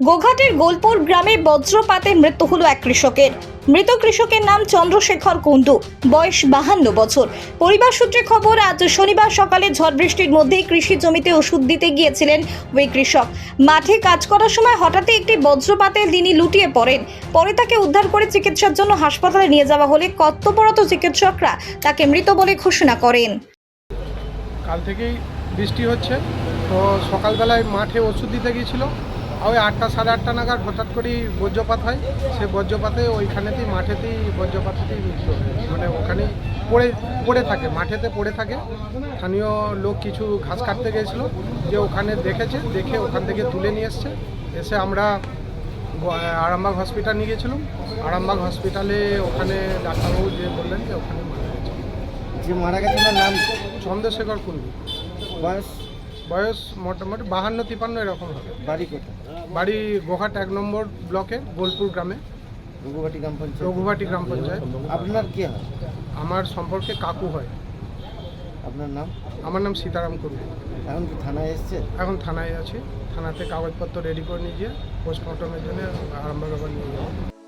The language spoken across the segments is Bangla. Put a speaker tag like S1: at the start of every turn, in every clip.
S1: গোঘাটের গোলপুর গ্রামে বজ্রপাতে মৃত্যু হলো এক কৃষকের। মৃত কৃষকের নাম চন্দ্রশেখর কুণ্ডু, বয়স 52 বছর। পরিবার সূত্রে খবর, আজ শনিবার সকালে ঝড় বৃষ্টির মধ্যেই কৃষি জমিতে ওষুধ দিতে গিয়েছিলেন ওই কৃষক। মাঠে কাজ করার সময় হঠাৎই একটি বজ্রপাতে তিনি লুটিয়ে পড়েন। পরে তাকে উদ্ধার করে চিকিৎসার জন্য হাসপাতালে নিয়ে যাওয়া হলে কর্তব্যরত চিকিৎসকরা তাকে মৃত বলে ঘোষণা করেন।
S2: কাল থেকেই বৃষ্টি হচ্ছে, তো সকালবেলায় মাঠে ওষুধ দিতে গিয়েছিল। ওই 8টা সাড়ে 8টা নাগাদ হঠাৎ করেই বজ্রপাত হয়। সে বজ্রপাতে ওইখানেতেই মাঠেতেই বজ্রপাতেতেই মৃত্যু হয়। মানে ওখানেই পড়ে থাকে, মাঠেতে পড়ে থাকে। স্থানীয় লোক কিছু ঘাস কাটতে গিয়েছিল, যে ওখানে দেখে ওখান থেকে তুলে নিয়ে এসে আমরা আরামবাগ হসপিটাল নিয়ে গেছিলাম। আরামবাগ হসপিটালে ওখানে ডাক্তারবাবু যে বললেন যে ওখানে মারা গেছে।
S3: যে মারা গেছে তার নাম
S2: চন্দ্রশেখর কুণ্ডু, বয়স মোটামুটি 52-53 এরকম হবে।
S3: বাড়ি কোথায়?
S2: বাড়ি গোঘাট 1 নম্বর ব্লকে গোলপুর গ্রামে, রঘুবাটি গ্রাম পঞ্চায়েত।
S3: আপনার কি হয়?
S2: আমার সম্পর্কে কাকু হয়।
S3: আপনার নাম?
S2: আমার নাম সীতারাম কুণ্ডু।
S3: এখন কি থানায় এসছে?
S2: এখন থানায় আছি। থানাতে কাগজপত্র রেডি করে নিয়ে গিয়ে পোস্টমর্টমের জন্য আরামবাগ আবার নিয়ে যাবো।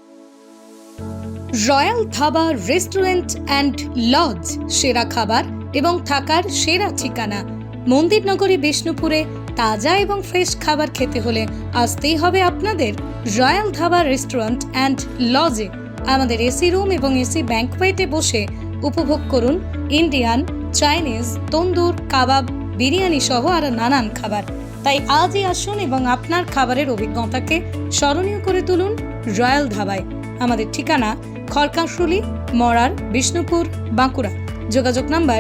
S4: Royal dhaba restaurant and lodge, সেরা খাবার এবং থাকার সেরা ঠিকানা। মন্দিরনগরী বিষ্ণুপুরে তাজা এবং ফ্রেশ খাবার খেতে হলে আসতেই হবে আপনাদের রয়্যাল ধাবা রেস্টুরেন্ট অ্যান্ড লজে। আমাদের এসি রুম এবং এসি ব্যাংকোয়েটে বসে উপভোগ করুন ইন্ডিয়ান, চাইনিজ, তন্দুর, কাবাব, বিরিয়ানি সহ আরো নানান খাবার। তাই আজই আসুন এবং আপনার খাবারের অভিজ্ঞতাকে স্মরণীয় করে তুলুন রয়্যাল ধাবায়। আমাদের ঠিকানা খড়কাশুলি, মরার, বিষ্ণুপুর, বাঁকুড়া। যোগাযোগ নাম্বার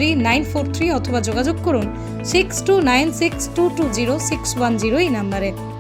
S4: 7384243943 অথবা যোগাযোগ করুন 6296220610 এই নাম্বারে।